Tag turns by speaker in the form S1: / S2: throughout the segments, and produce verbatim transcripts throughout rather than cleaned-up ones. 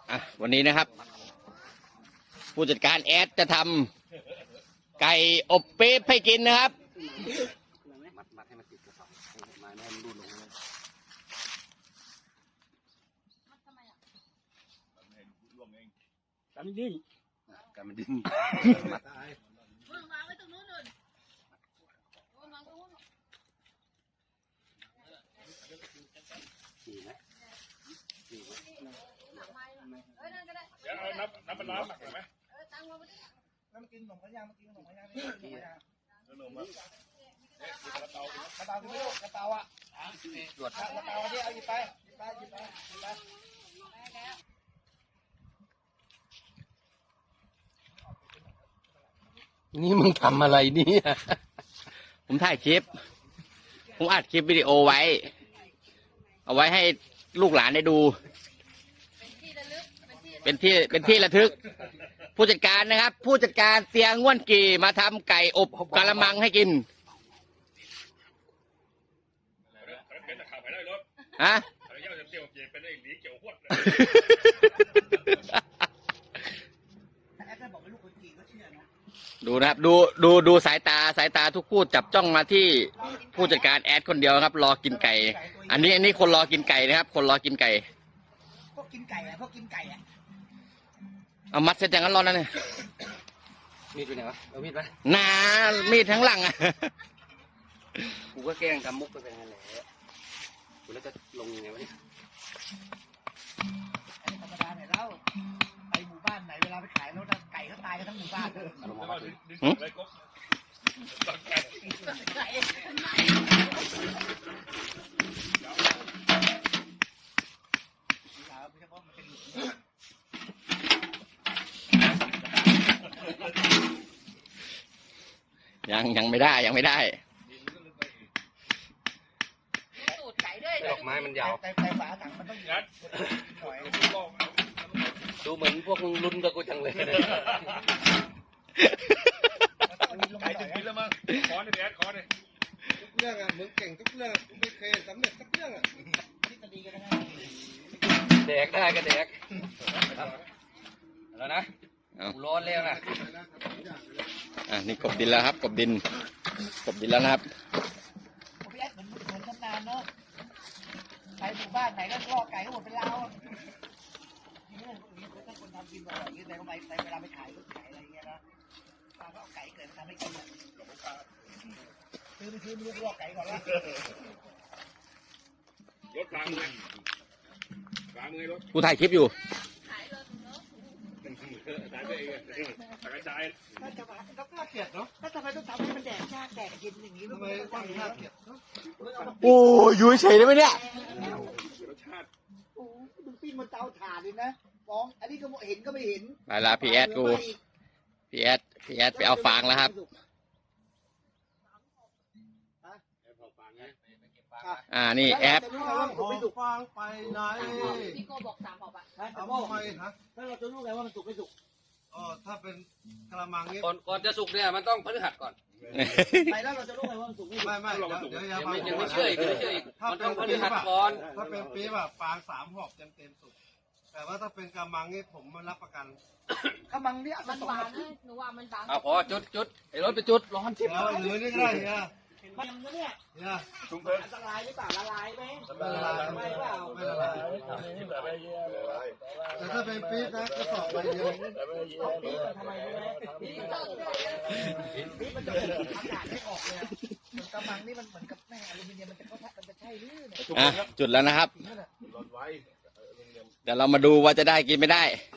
S1: อ่ะวันนี้นะครับผู้จัดการแอดจะทำไก่อบปี๊บให้กินนะครับ
S2: มัดมัดให้มันติดกระสอบมาแน่นรูดลงเลยกันดิ้นกันมันดิ้นมัดมึงวางไว้ตรงนู้นเลยวางตรงนู้นดีไหมดีไหม
S3: เดี๋ยวเอาน้ำน้ำปลาร้าหมักหน่อยไหม
S4: น้ำกินขนมขยางมากินขนมขยางนี่ขยาง
S3: ขนมอ่ะเอ๊ะกระเตาก
S4: ระเตาที่ไม่รู้กระเตาอ่ะ
S2: ตรวจ
S4: กระเตาที่เอาหยิบไปหยิบไปหยิบไปหยิบไป
S2: นี่มึงทำอะไรเนี่ย
S1: ผมถ่ายคลิปผมอัดคลิปวิดีโอไว้เอาไว้ให้ลูกหลานได้ดูเป็นที่เป็นที่ระทึกผู้จัดการนะครับผู้จัดการเตียงง่วนกี่มาทำไก่อบกะละมังให้กิน
S3: เป็นตะขาบไปได้รถ
S1: ฮะ
S3: อะไรเงี้ยจะเตี้ยวเจี๊ยเป็นไอ้หลีเกี่ยวหวดเลย
S4: แอดได้บอกว่าลูกคนจีนก็เชื่อนะ
S1: ดูนะครับดูดูดูสายตาสายตาทุกคู่จับจ้องมาที่ผู้จัดการแอดคนเดียวครับรอกินไก่ อันนี้อันนี้คนรอกินไก่นะครับคนรอกินไก่
S4: พวกกินไก่อะพวกกินไก่อะ
S1: เอามัดเสร็จอย่างนั้นรอนั่นเลย
S2: มีดอยู่ไหนวะเอามีดไหม
S1: หนามีดทั้งหลังอ่ะ
S2: กูก็แกล้งทำมุกไปเป็นไงแหละกูแล้วจะลงยังไงวะเนี่ย
S4: อันนี้ธรรมดาไหนเล่าไปหมู่บ้านไหนเวลาไปขายรถไก่เขาตายกันทั้งหมู่บ้านเลย
S2: เอาลง
S3: แล้ว
S2: มา
S3: ก็
S2: ดิ
S3: ดึงอะไรก็ตักไก่
S4: ไก่ไม่ใช่เพราะมันเป็นหลุม
S1: ยังยังไม่ได้ยังไม่ได้
S5: ตูดไก่ด้วย
S2: ดอกไม้มันยาว
S4: แต่แต่ฝาถังมันต้อง
S3: งัด
S4: หน่อย
S3: ลอก
S2: ดูเหมือนพวกมึงลุ้นกับกูจังเลย
S3: ไก่จะกินแล้วมั้งขอเนี่ยแอดขอเนี่ย
S6: ทุกเรื่องอ่ะมึงเก่งทุกเรื่องกูไม่เคยสำเร็จสักเรื่องอ่ะ
S4: ทฤษฎีกันนะ
S2: แดกได้ก็แดกแล้วนะกูร้อนแล้วนะ
S1: อ่ะนี่กบดินแล้วครับกบดินกบดินแล้วนะครับ
S4: พี่แอดเหมือนเหมือนชำนาญเนาะไปหมู่บ้านไหนก็ล่อไก่ก็หมดเป็นเรานี่เรื่องพวกนี้ถ้าคนทำกินอร่อยอย่างนี้แต่ก็ไปแต่เวลาไปขายก็ขายอะไรเงี้ยนะตาก็เอาไก่เกิดมาทำให้กินอ่ะซื้อไปซื้อมีล่อไก่ก่อนละ
S3: รถกลางเลยกลางเลยรถ
S1: กูถ่ายคลิปอยู่
S3: ตายไปเองตะกระจาย
S4: น่าจะมาก็น่าเกลียดเนาะถ้าทำไมต้องทำให้มันแดกชาแดกกินอย่างนี้
S6: ทำไมต้องน่าเกลียดเนอะ
S1: โอ้อยู่เฉยได้ไหมเนี่ย
S3: รสชาติ
S4: โอ้ดูปิ้งมันเตาถ่านเลยนะฟองอันนี้ก็เห็นก็ไม่เห็น
S1: ไปละพี่แอดกูพี่แอดพี่แอดไปเอาฟางแล้วครับอ่านี่แอด
S4: จะรู้ไงว่ามันสุกไม่สุก
S6: ฟังไปไหน
S5: พี่โกบอกสามบอกอ่ะ
S6: เอาทำไมฮะ
S4: ถ้าเราจะรู้ไงว่ามันสุกไม่สุก
S6: อ๋อถ้าเป็นกระมังนี้
S2: ก่อนก่อนจะสุกเนี่ยมันต้องพฤหัสก่อน
S4: ไปแล้วเราจะรู้ไงว่ามันสุกไม่สุก
S6: ไม่ไม่เดี๋ยวเดี๋ยวอย่า
S2: ยัง
S6: ฟัง
S2: ไม่ยังไม่เชื่ออีกยังไม่เชื่ออีกมันต้องพฤหัสก่อน
S6: ถ้าเป็นปี๊บอะฟางสามหอบเต็มเต็มสุกแต่ว่าถ้าเป็นกระมังนี่ผมไม่รับประกัน
S4: กำลังเนี่ย
S5: มันบางนะหนูว่ามันบาง
S2: เอาพอจุดจุดไอ้รถไปจุดร้อนชิบ
S6: แล้วหรือนี่ก็ได้เนี่ย
S4: มันเนี่ย
S6: เนี่ย
S3: ชุ่มเพิ่ม
S4: อันตรายหรือเปล่าละลายไหม
S6: ไม่ละลาย
S4: ไม่เปล่า
S6: ไม่ละลายแต่ถ้าเป็นปี๊บนะกระสอบใบเดียว
S4: ทำไมรู้ไหมนี่มันจะอากาศไม่ออกเลยกำลังนี่มันเหมือนกับแม่อลูมิเนียมมันจะเข้ามันจะใช่หรือเนี่ย
S1: อ่ะจุดแล้วนะครับ
S3: ร้อนไว้
S1: เดี๋ยวเรามาดูว่าจะได้กินไม่ได้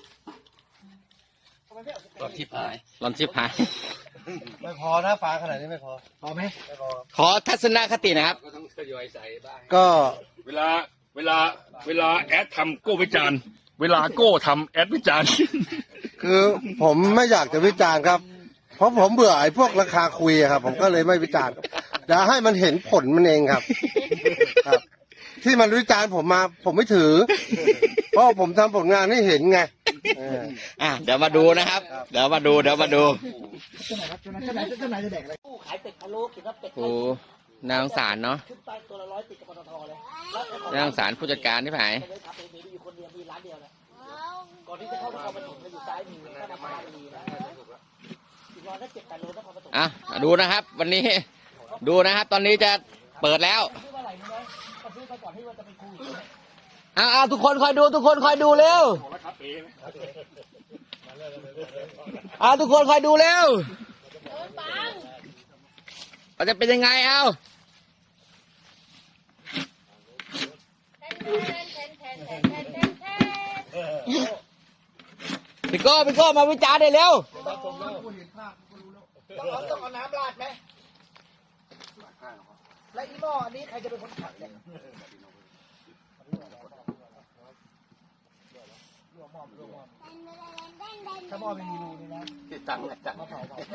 S2: รถที่พาย
S1: ลอนชิบหาย
S6: ไม่พอถ้าฟางขนาดนี้ไม่พอ
S4: พอไหม
S6: ไม่พอ
S1: ขอทัศนคตินะครับ
S2: ก็ต้องทยอยใส่บ้าง
S6: ก็
S3: เวลาเวลาเวลาแอดทำโก้วิจารณ์เวลาโก้ทำแอดวิจารณ์
S6: คือผมไม่อยากจะวิจารณ์ครับ เพราะผมเบื่อไอ้พวกราคาคุยอะครับ ผมก็เลยไม่วิจารณ์เดี๋ยวให้มันเห็นผลมันเองครับ ครับ ที่มันวิจารณ์ผมมาผมไม่ถือ เพราะผมทำผลงานให้เห็นไงเออ
S1: อ่ะเดี๋ยวมาดูนะครับ เดี๋ยวมาดูเดี๋ยวมาดู
S4: เจ้าไหนครับเจ้าไหนเจ้าไหนเจ้าไหนจะแดกอะไรขายเป็ดพะโล้กินแล้วเป็ด
S1: โอ้น่าสงสารเนาะ
S4: ขึ้นไปตัวละร้อยติดกับปตทเลย
S1: น่าสงสารผู้จัดการที่ไหน
S4: เลยทำเองมีอยู่คนเดียวมีร้านเดียวเลย
S5: อ๋อ
S4: ก่อนที่จะเข้านครปฐมเราอยู่ซ้ายมือก็นครปฐมนะอีกร้อยละเจ็ดแปดโลนครปฐม
S1: อ่ะดูนะครับ วันนี้ดูนะครับ ตอนนี้จะเปิดแล้ว
S4: ซื้อมาไหร่มึงนะก็ซื้อมาก่อนที่ว่าจะไปคุย
S1: เอาเอาทุกคนคอยดูทุกคนคอยดูเร็วเอาทุกคนคอยดูเร็วมันจะเป็นยังไงเอา พี่โก้พี่โก้มาวิจารณ์ได้เร็ว
S4: ต้องเอาต้องเอาน้ำราดไหมและอีหม้ออันนี้ใครจะเป็นคนขัดเนี่ยถ้าหม้อไม่มีรูนี่นะ
S2: ติดตังค์ตังค์
S4: มาเผาเผา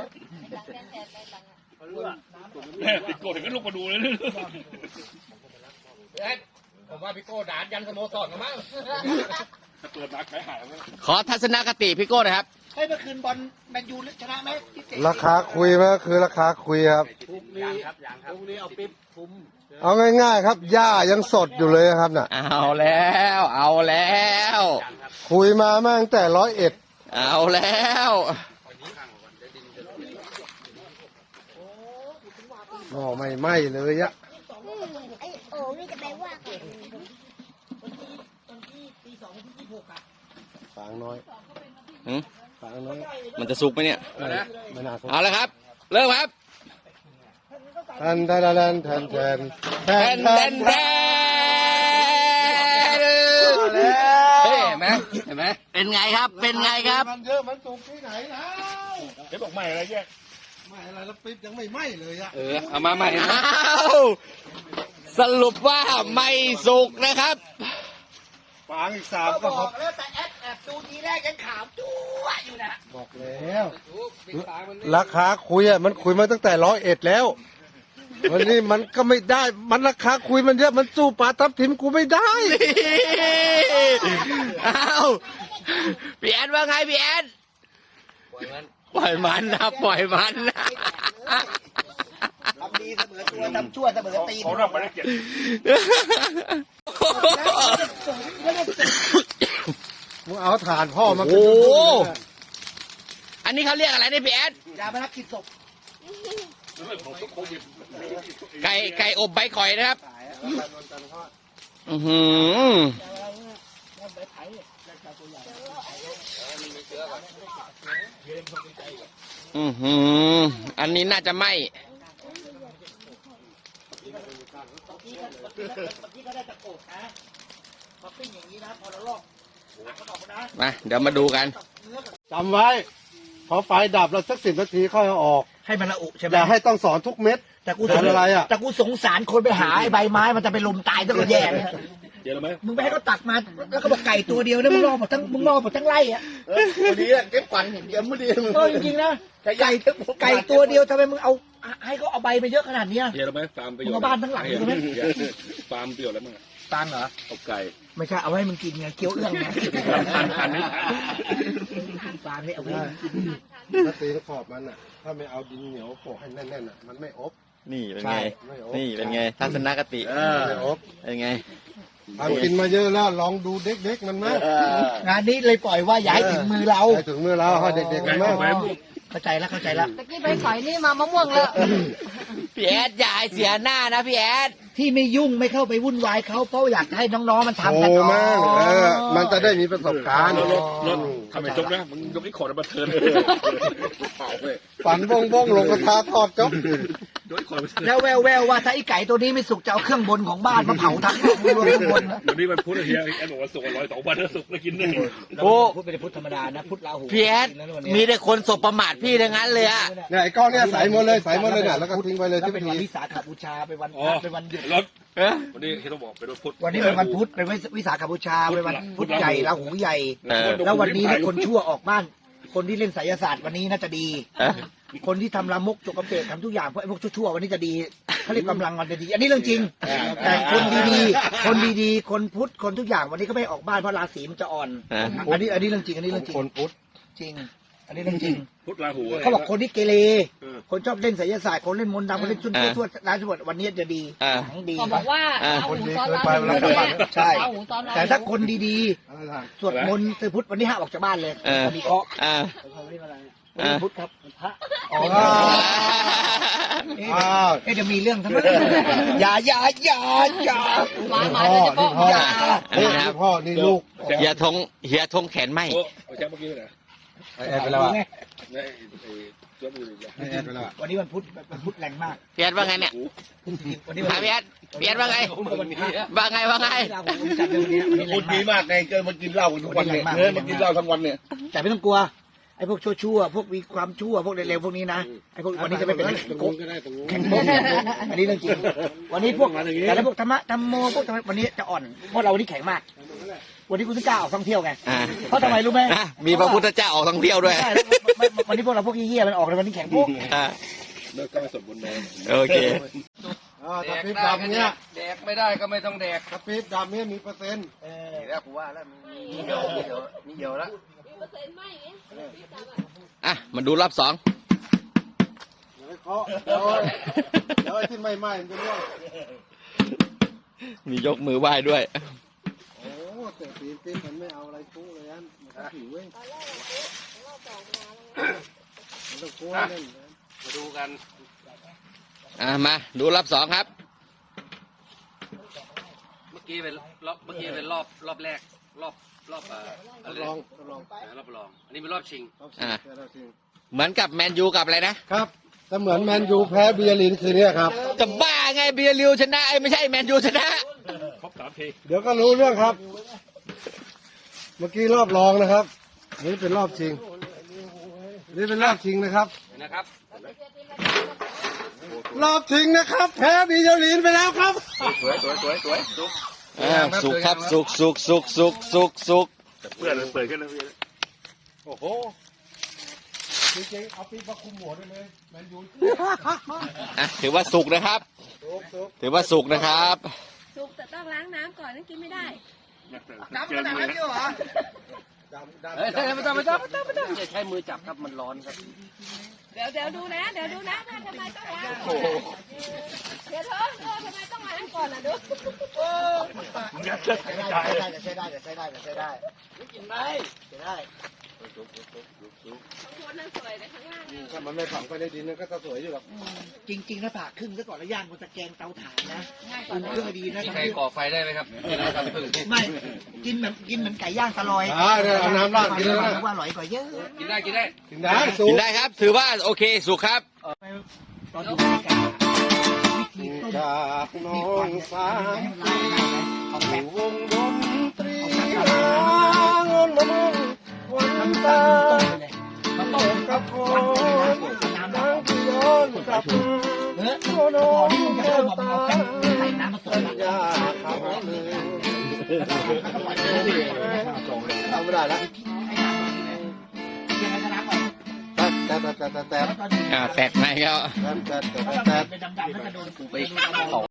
S3: แม่ติดโกรธถึงก็ลุกมาดูเลย
S2: ผมว่าพี่โก้ด่านยันสโมสรกันมั้ง
S3: ถ้าเปิดมาขายหายแล้ว
S1: ขอทัศนคติพี่โก้หนะครับ
S4: ให้เมื่อคืนบอลแมนยูชนะไหมพี่เต๋
S6: ราคาคุยมันก็คือราคาคุยครับ
S2: ยังครับยังครับพรุ่งนี้เอาปิ๊บคุ้ม
S6: เอาง่ายๆครับหญ้ายังสดอยู่เลยครับน่ะ
S1: เอาแล้ว เอาแล้ว
S6: คุยมามาตั้งแต่ร้อยเอ็ด
S1: เอาแล้ว
S6: หม้อไม่ไหม้เลยอะ
S7: ไอโอ้นี่จะไปว่ากัน
S4: วันที่ตีสองวันที่ยี่สิบหกอ่ะ
S6: ฝางน้อย
S1: หืม
S6: ฝางน้อย
S1: มันจะสุกไหมเนี่ย
S6: ไม่ไม่น่าสน
S1: เอาแล้วครับ เริ่มครับ
S6: แทนแทนแทนแทนแท
S1: แท
S6: น
S1: น
S6: แท
S1: แท
S6: น
S1: น
S6: แท
S1: แท
S6: น
S1: น
S6: เฮ้
S1: เห็นไหมเห็นไหมเป็นไงครับ เป็นไงครับ
S6: มันเยอะมันสุกที่ไหนนะ
S3: เดี๋ยวบอกใหม่อะไรแยก
S6: ไม่อะไรแล้วปิ๊บยังไม่ไหม้เลยอะ
S1: เออ เอามาใหม่อ้าวสรุปว่าไม่สุกนะครับ
S6: ฝางอีกสาม
S4: ก็
S6: ก็
S4: บ
S6: คร
S4: อบ กแล้วแต่แอดแอบดูทีแรกยังขาวจั๊วอยู่นะ
S6: บอกแล้วราคาคุยอะมันคุยมาตั้งแต่ร้อยเอ็ดแล้ววันนี้มันก็ไม่ได้ มันราคาคุยมันเยอะมันสู้ปลาทับทิมกูไม่ได้
S1: เอาพี่แอนว่าไงพี่แอนปล่อยมันนะปล่อยมันนะ
S4: ทำดีเสมอตัวทำชั่วเสมอตีน
S3: เขาเริ่มไปได้เก็บ
S6: มึงเอาถ่านพ่อมาเป็น
S1: โอ้
S6: ดุนๆเลย
S1: อันนี้เขาเรียกอะไรเนี่ยพี่แอน
S4: ยามารักกินศพ
S1: ไก่ไก่อบใบข่อยนะครับ อือหืออือหืออันนี้น่าจะไหม
S4: ที่ก็ได้ตะโกดนะมาปิ้งอย่างนี้นะพอเราลอกหักมันออกมานะ
S1: มาเดี๋ยวมาดูกัน
S6: จำไว้พอไฟดับแล้วสักสิบนาทีค่อยเอาออก
S4: ให้มันละอุใช่ไหม
S6: อย่าให้ต้องสอนทุกเม็ด
S4: แต่กู
S6: สอนอะไรอ่ะ
S4: แต่กูสงสารคนไปหาไอ้ใบไม้มันจะไปลมตายตั้งแต่แย่เลย
S3: เดี๋ยวไหม
S4: มึงไปให้เขาตักมาแล้วก็บอกไก่ตัวเดียวนะมึงรอหมดทั้งมึงรอหมดทั้งไร่อะ
S6: พอดีเก็บฝันเดี๋ยวไม่ดีมึง
S4: เออจริงๆนะไก่ไก่ตัวเดียวทำไมมึงเอาให้เขาเอาใบไปเยอะขนาดเนี้ย
S3: เดี๋ยวไหมฟาร์มประโยชน์
S4: มึงเอาบ้านทั้งหลังใช่ไหม
S3: ฟาร์มประโยชน์แล้วมั้ง
S4: ตังเหรอ
S3: เอาไก่
S4: ไม่ใช่เอาไว้ให้มึงกินไงเกี๊ยวเอื้องนะ
S3: ทันทันไม่ทัน
S4: ปลาเนี่ยเอาไว้
S6: ถ้าตีขอบมันอ่ะ ถ้าไม่เอาดินเหนียวโปะให้แน่นๆอ่ะมันไม่อบ
S1: นี่เป็น
S6: ใช่
S1: ไง
S6: ไม่อบ
S1: นี่เป็นไง ทัศนคติ
S6: ไม่อบ
S1: เป็นไง
S6: ทำกินมาเยอะแล้วลองดูเด็กๆมันมั้ย
S4: งานนี้เลยปล่อยว่าอย่าให้ถึงมือเรา
S6: ให้ถึงมือเราให้เด็กๆมันมั้ย
S4: เข้าใจแล้วเข้าใจแล้ว
S5: ตะกี้ไปขอยนี่มามะม่วงแล้ว
S1: พี่แอดอย่าให้เสียหน้านะพี่แอด
S4: ที่ไม่ยุ่งไม่เข้าไปวุ่นวายเขาเพราะอยากให้น้องๆมันทำ
S6: โอ้
S4: กัน
S6: แม่งเออมันจะได้มีประสบการณ์
S3: รถรถทำไมจกนะมึงยกไอ้ขอดมาเทิน
S6: ฝันบ้งบ้งๆลงกระทะทอดจ๊อบ
S3: ยกไอ้ขอดมาเทิน
S4: แล้วแววแววๆว่าถ้าไอ้ไก่ตัวนี้ไม่สุกจะเอาเครื่องบนของบ้านมาเผาทั้งรวมเครื่องบนนะ
S3: วันนี้มันพุธเฮียแอนบอกว่าสุกร้อยสองพันแล้วสุกแล้วกินได้
S1: โอ้
S4: พุทธเป็นพุทธธรรมดานะพุทธลาหู
S1: พี่แอดมีแต่คนสบประมาทพี่ทั้งนั้นเลยอะ
S6: เนี่ยไอ้ก้อนเนี่ยใส่หมดเลยใส่หมดเลยเนี่ยแล้วก็ทิ้งไว้เลย
S4: แล้ว
S6: ที่
S4: เป็น
S6: ที
S4: วันวิสาขบูชาเป็นวัน
S3: อ๋อ
S4: เป็นวันหยุด
S3: รถ
S1: เอ๊ะ
S3: วันนี้ที่ต้องบอกเป็นรถพุธ
S4: วันนี้เป็นวันพุธเป็นวิสาขบูชาเป็นวันพุธใหญ่ลาหูใหญ่
S1: เออ
S4: แล้ววันนี้เนี่ยคนชั่วออกบ้าน คนที่เล่นไสยศาสตร์วันนี้น่าจะดี
S1: เอ๊ะ
S4: คนที่ทำลามกจกกระเปดทำทุกอย่างเพราะไอ้พวกชั่วๆวันนี้จะดีเขาเรียกกำลังมันจะดี อันนี้เรื่องจริง แต่คนดีๆ คนดีๆ คนพุทธคนทุกอย่างวันนี้ก็ไม่ออกบ้านเพราะราศีมันจะอ่อน
S1: เอ๊ะ
S4: อันนี้อันนี้เรื่องจริงอันนี้เรื่องจริง
S6: คนพุทธ
S4: จริงอันนี้เรื่องจริง
S3: พุทธราหู
S4: เขาบอกคนที่เกเร
S3: เออ
S4: คนชอบเล่นไสยศาสตร์คนเล่นมนต์ดำคนเล่นชุด
S1: อ่า
S4: ทั่วร้านสมบัติวันนี้จะดี
S1: อ่า
S4: ของดี
S5: เขาบอกว่า
S1: อ่า
S5: เอาหูซ้อน
S6: คนดีเกินไปเวลากลับบ้าน
S4: ใช่
S5: เอาหูซ้อนเรา
S4: แต่ถ้าคนดีๆสวดมนต์ตือพุทธวันที่ห้าออกจากบ้านเลย
S1: เออ
S4: จะมีเคราะห์
S1: อ่า
S4: วันนี้พุทธครับพระ
S6: อ๋อ
S4: เอ๊ะ
S6: อ้าว
S4: เอ๊ะจะมีเรื่องทำไมอย่าอย่าอย่าอย่า
S5: หมาหมาเดี๋ยวจะป้อง
S6: พ่อ
S4: อย่า
S6: นี่พ่อนี่ลูก
S1: เฮียทงเฮียทงแขนไหม
S3: โอ้เอาแชมป์เมื่อกี้ไปไหน
S6: แอดไปแล้วอ่ะ
S3: ไอ้ไอ้ตัวมืออีกแล้ว
S6: แอดไปแล้วอะ
S4: วันนี้วันพุธวันพุธแรงมาก
S1: พี่แอดว่าไงเนี่ย
S4: วันนี้
S1: หาพี่แอดพี่แอดว่าไงว่าไงว่าไง
S4: ลาหูผมจัดเลยวันนี้วันนี้แร
S3: พูด
S4: ง
S3: ดี
S4: มาก
S3: มากไงเกินมากินเหล้ากันทุกวันเนี่ย
S4: วันนี้แรงมาก
S3: เออมากินเหล้าทั้งวันเนี่ย
S4: แต่ไม่ต้องกลัวไอ้พวกชั่วๆพวกมีความชั่วพวกเร็วๆพวกนี้นะไอ้พวกวันนี้จะไม่เป็นโกงแข่งโกงอันนี้เรื่องจริงวันนี้พวกแต่ละพวกธรรมะธรรมโมพวกธรรมะวันนี้จะอ่อนเพราะเราวันนี้แข็งมาก วันนี้คุณต้องกล้าออกท่องเที่ยวไง
S1: อ่า
S4: เพราะทำไมรู้ไหม
S1: อ่ะมีพระพุทธเจ้าออกท่องเที่ยวด้วย
S4: ใช่แล้วไม่ไม่วันนี้พวกเราพวกเหี้ยๆมันออกเลยวันนี้แข็งพวก
S1: อ่า
S3: เลิกก็ไม่สมบูรณ์เลย
S1: โอเค
S6: อ่าถ้าปี๊บดำเนี่ย
S2: แดกไม่ได้ก็ไม่ต้องแดก
S6: ถ้าปี๊บดำเนี่ยมีเปอร์เซ็นต์
S2: นี่แล้วกูว่าแล้วมีมีเหี่ยวมีเหี่ยวมีเหี่ยวแล้ว
S1: อ่ะมาดูรอบสอง
S6: เดี๋ยวให้เคาะเดี๋ยวเดี๋ยวไอ้ที่ไม่ไหม้มันจะร่วง
S1: มียกมือไหว้ด้วย
S6: โอ้แต่ปีนปี๊บมันไม่เอาอะไรคู่เลยอันมันก็ผิวเว้ยมันต้องคู่ให้เล่นนะ
S2: มาดูกัน
S1: อ่ะมาดูรอบสองครับ
S2: เมื่อกี้เป็นรอบเมื่อกี้เป็นรอบรอบแรกรอบรอบเอ่อ
S6: ท
S2: อะไร
S6: ดลองทดลอง
S2: นะรอบรอง อันนี้เป็นรอบชิง
S6: รอบชิง
S1: อ่า
S6: รอบชิง
S1: เหมือนกับแมนยูกับอะไรนะ
S6: ครับแต่เหมือนแมนยูแพ้เบียร์ลินคืนนี้ครับ
S1: จะบ้าไงเบียร์ลิวชนะไอ้ไม่ใช่แมนยูชนะ
S3: ครบสามที
S6: เดี๋ยวก็รู้เรื่องครับ เมื่อกี้รอบรองนะครับนี่เป็นรอบชิงนี่เป็นรอบชิงนะครับ
S2: นะครับ
S6: รอบชิงนะครับ แพ้บีเยาลินไปแล้วครับ
S3: สวยสวยสวยสวยสุก
S1: อ่าสุกครับสุกสุกสุกสุกสุกสุก
S3: เพื่อนเปิดขึ้นแล้วพี่
S6: โอ้โหจริงๆเอาปีมาคุมหัวได้เลยแมนยู
S1: อ่ะถือว่าสุกนะครับ
S6: สุกสุก
S1: ถือว่าสุกนะครับ
S5: สุกแต่ต้องล้างน้ำก่อนนั่นกินไม่ได้
S4: น้ำขนาดนั้นเยอะเหรอ
S6: ดำดำ
S2: เฮ้ยไม่ต้องไม่ต้องไม่ต้องไม่ต้องอย่าใช้มือจับครับมันร้อนครับ
S5: เดี๋ยวเดี๋ยวดูนะ เดี๋ยวดูนะว่าทำไมต้องล้างเดี๋ยวเธอเธอทำไมต้องล้างก่อนล่ะดู
S3: งัดเชือก
S4: ใช้
S3: กระ
S4: ได้
S3: จาย
S4: ใช้ได้ใช้ได้ใช้ได้ใช้ได้ใช้ได้
S5: คนนั้นสวยเลยข้างล่างเนี่ย
S6: ถ้ามันไม่ฝังไปในดินมันก็จะสวยอยู่หรอก
S4: จริงๆถ้าผ่าครึ่งซะก่อนแล้วย่างบนตะแกรงเตาถ่านนะอุ่นเครื่องให้ดีนะ
S2: มีใครก่อไฟได้ไหมครับครับพึ่ง
S4: ไม่กินเหมือนกินเหมือนไก่ย่างตะลอย
S6: อ่าเนี่ยเอาน้ำราดกินเลยนะ
S4: ว่าอร่อยกว่าเยอะ
S2: กินได้กินได้
S6: กินได้สุ
S1: กิ
S6: ก
S1: นได้ครับ ถือว่าโอเคสุกครับ
S4: ตอนดูวิธีการวิธีต้ม
S6: จากน้องสาว
S4: เอาแป้ง
S6: วงดนตรีงนมะม่วงวันตา
S4: มาต้ม
S6: กับค
S4: วัน
S6: น
S4: น้ำ
S6: นั่งที่ย้อนกลับ
S4: เออพอนี่มันจะเริ่มมาเอาแป้งใส่น้ำผสม
S6: ยาเขาเลยทำไม่ได้แล้ว
S4: ให้น้ำยังไงก็น้ำก่อน
S6: แต่แต่แต่แต่แต่
S4: แล้วตอนนี้
S1: อ่าแตกไหมครับ
S6: แต่แต่
S4: ถ้า
S6: แต่
S4: เป็นดำๆแล้วจะโดน
S2: ไปเขา